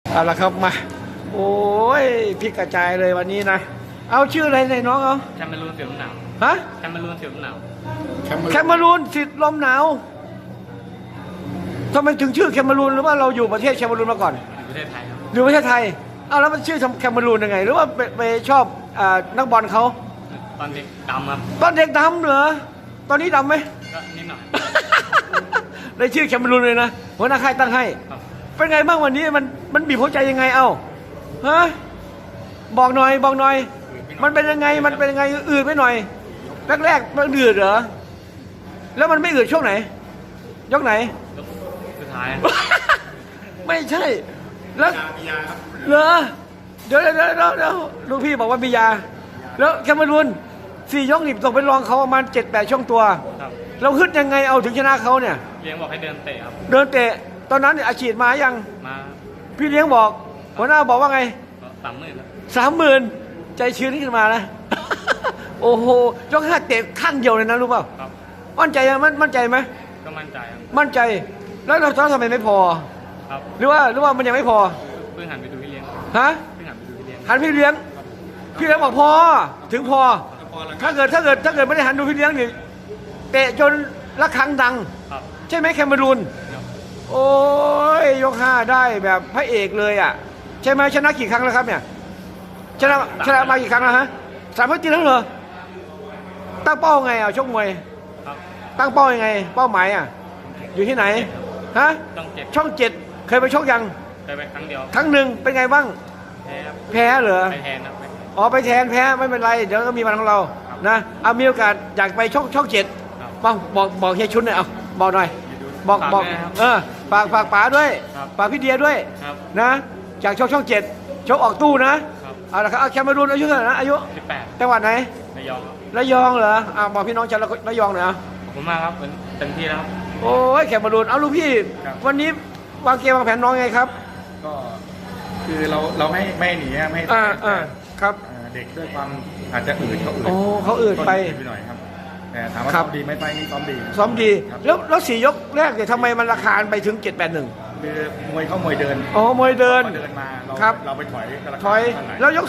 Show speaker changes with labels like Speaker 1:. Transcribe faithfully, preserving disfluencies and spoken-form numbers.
Speaker 1: เอาละครับมาโอ้ยพลิกกระจายเลยวันนี้นะเอาชื่ออะไรในน้องเอา
Speaker 2: แคมเมรูนเสียลมหนาว
Speaker 1: ฮะ
Speaker 2: แคมเมรูนเสียลมหนาว
Speaker 1: แคมเมรูนสิทธิ์ลมหนาวทำไมถึงชื่อแคมเมรูนหรือว่าเราอยู่ประเทศแคมเมรูนมาก่อน
Speaker 2: อยู่ประเทศไทยครับ
Speaker 1: อยู่ประเทศไทยเอาแล้วมันชื่อแคมเมรูนยังไงหรือว่าไปไปชอบอ่านักบอลเขา
Speaker 2: ตอนเด็กดำครับ
Speaker 1: ตอนเด็กดำเหรอตอนนี้ดำไหม
Speaker 2: ก็นิดหน่อย
Speaker 1: ได้ชื่อแคมเมรูนเลยนะหัวหน้าค่ายตั้งให้เป็นไงบ้างวันนี้มันมันบีบหัวใจยังไงเอ้าฮะบอกหน่อยบอกหน่อยมันเป็นยังไงมันเป็นยังไงอืดไปหน่อยแรกๆมันอืดเหรอแล้วมันไม่อืดช่วงไหนยกไหน
Speaker 2: สุดท้าย
Speaker 1: ไม่ใช่แล้วเหรอเดี๋ยวเดี๋ยวเดี๋ยวเดี๋ยวลูกพี่บอกว่ามียาแล้วแคมเมรูนสี่ยกนี่ตกเป็นรองเขาประมาณเจ็ดแปดช่วงตัวเราฮึดยังไงเอาถึงชนะเขาเนี่ย
Speaker 2: เลี้ยงบอกให้เดินเตะครับ
Speaker 1: เดินเตะตอนนั้นอาชีพมายัง
Speaker 2: มา
Speaker 1: พี่เลี้ยงบอกหัวหน้าบอกว่าไง
Speaker 2: สามหมื่น
Speaker 1: สามหมื่นใจชื้นขึ้นมานะ โอ้โหยกห้าเตะข้างเดียวเลยนะรู้เปล่ามั่นใจยังมั่นใจไหม
Speaker 2: ก็มั่นใจครับ
Speaker 1: มั่นใจแล้วเราทำไมไม่พอ
Speaker 2: ครับ
Speaker 1: หรือว่าหรือว่ามันยังไม่พอ
Speaker 2: เพิ่งหันไปดูพี่เลี้ยง
Speaker 1: ฮะ
Speaker 2: เพิ่งหันไปดูพี่เลี้ยง
Speaker 1: หันพี่เลี้ยงพี่เลี้ยงบอกพอถึงพอถ้าเกิดถ้าเกิดถ้าเกิดไม่ได้หันดูพี่เลี้ยงนี่เตะจนระฆังดังใช่ไหมแคมเมรูนโอ้ยยกห้าได้แบบพระเอกเลยอ่ะใช่ไหมชนะกี่ครั้งแล้วครับเนี่ยชนะชนะมากี่ครั้งแล้วฮะสามครั้งจริงแล้วเหรอตั้งเป้าไงอ่ะชกมวยตั้งเป้ายังไงเป้าหมายอ่ะอยู่ที่ไหนฮะช่องเจ็ดเคยไปชกยัง
Speaker 2: เคยไปครั้งเดียว
Speaker 1: ครั้งหนึ่งเป็นไงบ้าง
Speaker 2: แพ้
Speaker 1: แพ้เหรอ
Speaker 2: ไปแทนครับ
Speaker 1: อ๋อไปแทนแพ้ไม่เป็นไรเดี๋ยวก็มีวันของเรานะเอามีโอกาสอยากไปช่องช่องเจ็ดบอกบอกบอกเฮียชุนหน่อยเอาบอกหน่อยบอกบอกเออฝากฝากป๋าด้วยฝากพี่เดียด้วยนะจากช่องช่องเจ็ดชกออกตู้นะเอาละครับแคมเมรูนอายุเท่าไหร่นะอายุ
Speaker 2: สิบแปด
Speaker 1: จังหวัดไหน
Speaker 2: ระยอง
Speaker 1: ระยองเหรออ่าบอกพี่น้องชาวระยองหน่อยอ่ะ
Speaker 2: ขอบคุณมากครับเต็มที่แล้ว
Speaker 1: โอ้ยแคมเมรูนเอาลูกพี่วันนี้วางเกมวางแผนน้องไงครับ
Speaker 3: ก็คือเราเราไม่ไม่หนีไม่
Speaker 1: อ่าอ่าครับ
Speaker 3: เด็กด้วยความอาจจะอืดเขาอืด
Speaker 1: โอ้เขาอืดไป
Speaker 3: ไปหน่อยครับแต่ถามว่าซ้อมดีไม่ไปนี่ซ้อมดี
Speaker 1: ซ้อมดีแล้วแล้วสี่ยกแรกเนี่ยทำไมมันราคาไปถึงเจ็ดแปดหนึ่ง
Speaker 3: คือมวยเข้ามวยเดิน
Speaker 1: อ๋อมวยเดิน
Speaker 3: เดินมาเราเราไปถอย
Speaker 1: ถอยแล้วยก